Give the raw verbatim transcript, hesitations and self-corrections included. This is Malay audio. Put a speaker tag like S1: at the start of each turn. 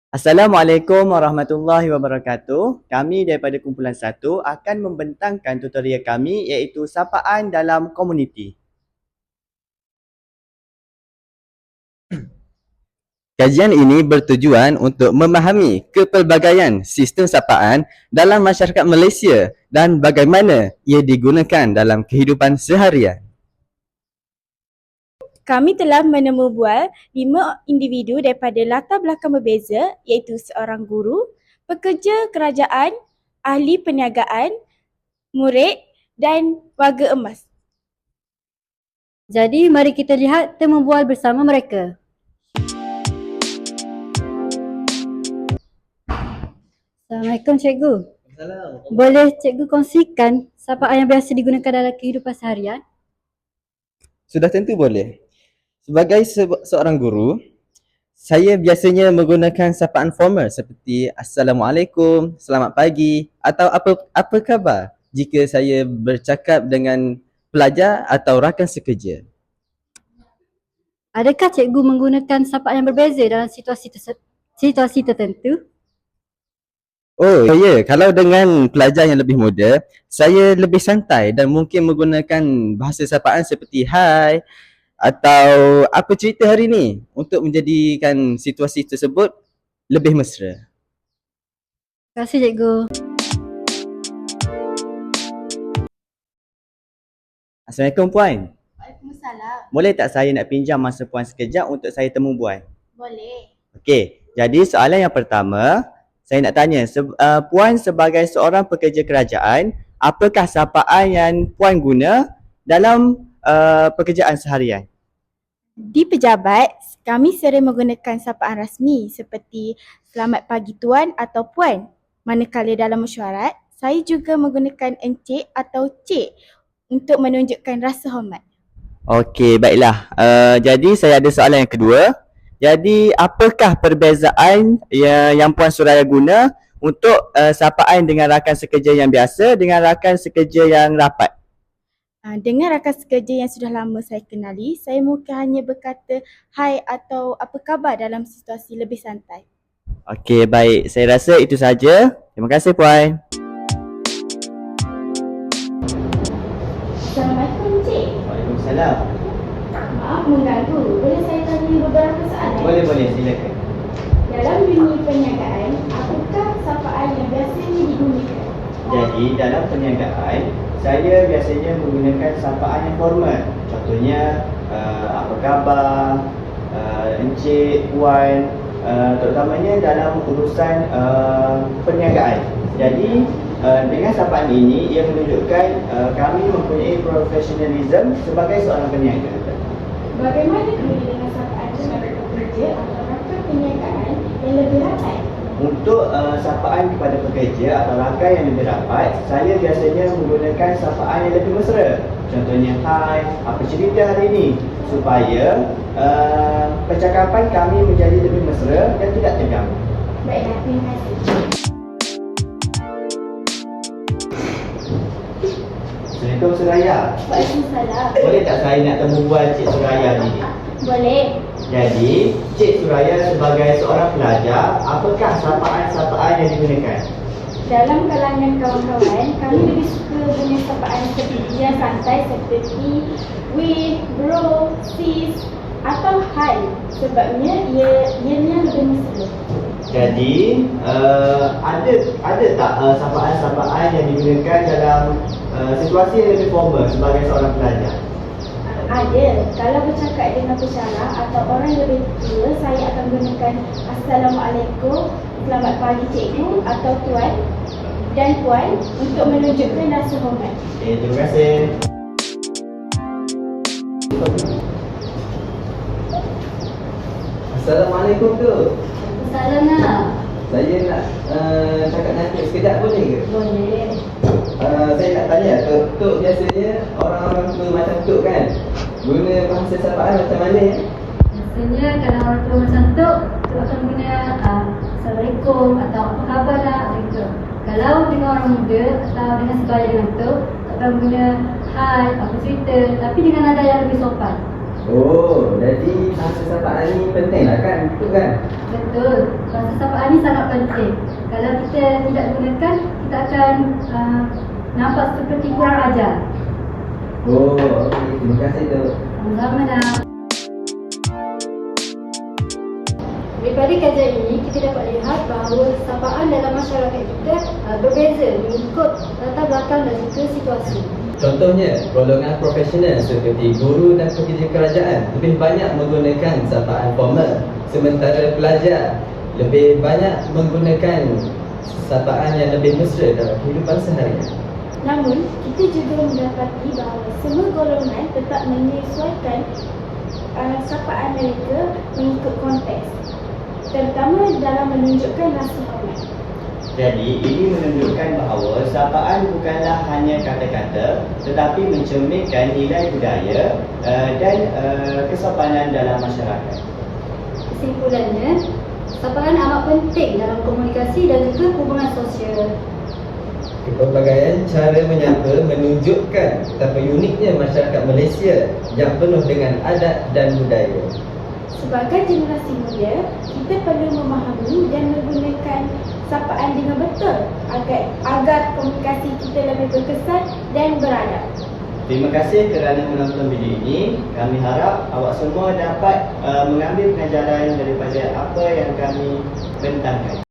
S1: Assalamualaikum warahmatullahi wabarakatuh. Kami daripada kumpulan satu akan membentangkan tutorial kami iaitu sapaan dalam komuniti. Kajian ini bertujuan untuk memahami kepelbagaian sistem sapaan dalam masyarakat Malaysia dan bagaimana ia digunakan dalam kehidupan seharian.
S2: Kami telah menemu bual lima individu daripada latar belakang berbeza iaitu seorang guru, pekerja kerajaan, ahli perniagaan, murid dan warga emas.
S3: Jadi mari kita lihat temu bual bersama mereka. Assalamualaikum cikgu.
S1: Assalamualaikum.
S3: Boleh cikgu kongsikan sapaan yang biasa digunakan dalam kehidupan seharian?
S1: Sudah tentu boleh. Sebagai se- seorang guru, saya biasanya menggunakan sapaan formal seperti Assalamualaikum, Selamat pagi atau apa apa khabar jika saya bercakap dengan pelajar atau rakan sekerja.
S3: Adakah cikgu menggunakan sapaan yang berbeza dalam situasi terse- situasi tertentu?
S1: Oh ya, yeah. Kalau dengan pelajar yang lebih muda, saya lebih santai dan mungkin menggunakan bahasa sapaan seperti hai atau apa cerita hari ni untuk menjadikan situasi tersebut lebih mesra.
S3: Terima kasih cikgu.
S1: Assalamualaikum Puan.
S2: Waalaikumsalam.
S1: Boleh tak saya nak pinjam masa Puan sekejap untuk saya temu Puan?
S2: Boleh.
S1: Okey, jadi soalan yang pertama, saya nak tanya, se- uh, Puan sebagai seorang pekerja kerajaan, apakah sapaan yang Puan guna dalam uh, pekerjaan seharian?
S2: Di pejabat, kami sering menggunakan sapaan rasmi seperti selamat pagi tuan atau puan. Manakala dalam mesyuarat, saya juga menggunakan encik atau cik untuk menunjukkan rasa hormat.
S1: Okey, baiklah. Uh, jadi saya ada soalan yang kedua. Jadi apakah perbezaan ya, yang Puan Suraya guna untuk uh, sapaan dengan rakan sekerja yang biasa dengan rakan sekerja yang rapat?
S2: Uh, dengan rakan sekerja yang sudah lama saya kenali, saya mungkin hanya berkata hai atau apa khabar dalam situasi lebih santai.
S1: Okey, baik. Saya rasa itu saja. Terima kasih Puan.
S2: Assalamualaikum Cik.
S1: Waalaikumsalam.
S2: Maaf mengganggu. Boleh saya tanya beberapa soalan?
S1: Boleh, boleh. Silakan.
S2: Dalam dunia perniagaan, apakah sapaan yang biasanya digunakan?
S1: Jadi dalam perniagaan, saya biasanya menggunakan sapaan yang formal. Contohnya, uh, apa khabar, uh, encik, puan, uh, terutamanya dalam urusan uh, perniagaan. Jadi uh, dengan sapaan ini, ia menunjukkan uh, kami mempunyai profesionalism sebagai seorang peniaga.
S2: Bagaimana kemudian dengan sapaan sebagai pekerja atau rakan perniagaan yang lebih rapat?
S1: Untuk uh, sapaan kepada pekerja atau rakan yang lebih rapat, saya biasanya menggunakan sapaan yang lebih mesra. Contohnya, hai, apa cerita hari ini? Supaya uh, percakapan kami menjadi lebih mesra dan tidak tegang.
S2: Baiklah, terima kasih.
S1: Assalamualaikum Suraya.
S2: Waalaikumsalam.
S1: Boleh tak saya nak temu bual Cik Suraya ni?
S2: Boleh.
S1: Jadi, Cik Suraya sebagai seorang pelajar, apakah sapaan-sapaan yang digunakan?
S2: Dalam kalangan kawan-kawan, kami lebih suka guna sapaan seperti yang santai seperti we, bro, sis atau hi. Sebabnya ia ianya lebih mesra.
S1: Jadi, uh, ada ada tak uh, sapaan-sapaan yang digunakan dalam uh, situasi yang lebih formal sebagai seorang pelajar?
S2: Ada. Kalau bercakap dengan pesyarah atau orang yang lebih tua, saya akan gunakan Assalamualaikum, Selamat pagi cikgu atau tuan dan puan untuk menunjukkan rasa hormat.
S1: Okay, terima kasih. Assalamualaikum tu.
S3: Salam nak.
S1: Saya nak uh, cakap dengan Cik sekejap boleh ke?
S3: Boleh.
S1: Uh, saya nak tanya, Tok biasanya orang-orang tua macam Tok kan, guna bahasa sapaan macam mana ya?
S3: Biasanya kalau orang tua macam tu, tu akan guna uh, Assalamualaikum atau apa khabar lah gitu. Kalau dengan orang muda atau dengan sebaya dengan tu, akan guna hai, apa cerita, tapi dengan nada yang lebih sopan.
S4: Oh, jadi bahasa sapaan ni penting lah kan? Betul kan?
S3: Betul. Bahasa sapaan ni sangat penting. Kalau kita tidak gunakan, kita akan uh, nampak seperti kurang ajar.
S4: Oh, okey. Terima kasih tu.
S3: Sama-sama dah. Daripada kajian ini, kita dapat lihat bahawa sapaan dalam masyarakat kita uh, berbeza mengikut latar belakang dan juga situasi.
S4: Contohnya, golongan profesional seperti guru dan pekerja kerajaan lebih banyak menggunakan sapaan formal, sementara pelajar lebih banyak menggunakan sapaan yang lebih mesra dalam kehidupan seharian.
S2: Namun, kita juga mendapati bahawa semua golongan tetap menyesuaikan uh, sapaan mereka mengikut konteks, terutama dalam menunjukkan rasa hormat.
S1: Jadi, ini menunjukkan bahawa sapaan bukanlah hanya kata-kata tetapi mencerminkan nilai budaya uh, dan uh, kesopanan dalam masyarakat.
S3: Kesimpulannya, sapaan amat penting dalam komunikasi dan juga hubungan sosial.
S4: Kepelbagaian cara menyapa menunjukkan betapa uniknya masyarakat Malaysia yang penuh dengan adat dan budaya.
S2: Sebagai generasi muda, kita perlu memahami dan menggunakan sapaan dengan betul agar agar komunikasi kita lebih berkesan dan beradab.
S1: Terima kasih kerana menonton video ini. Kami harap awak semua dapat uh, mengambil pengajaran daripada apa yang kami bentangkan.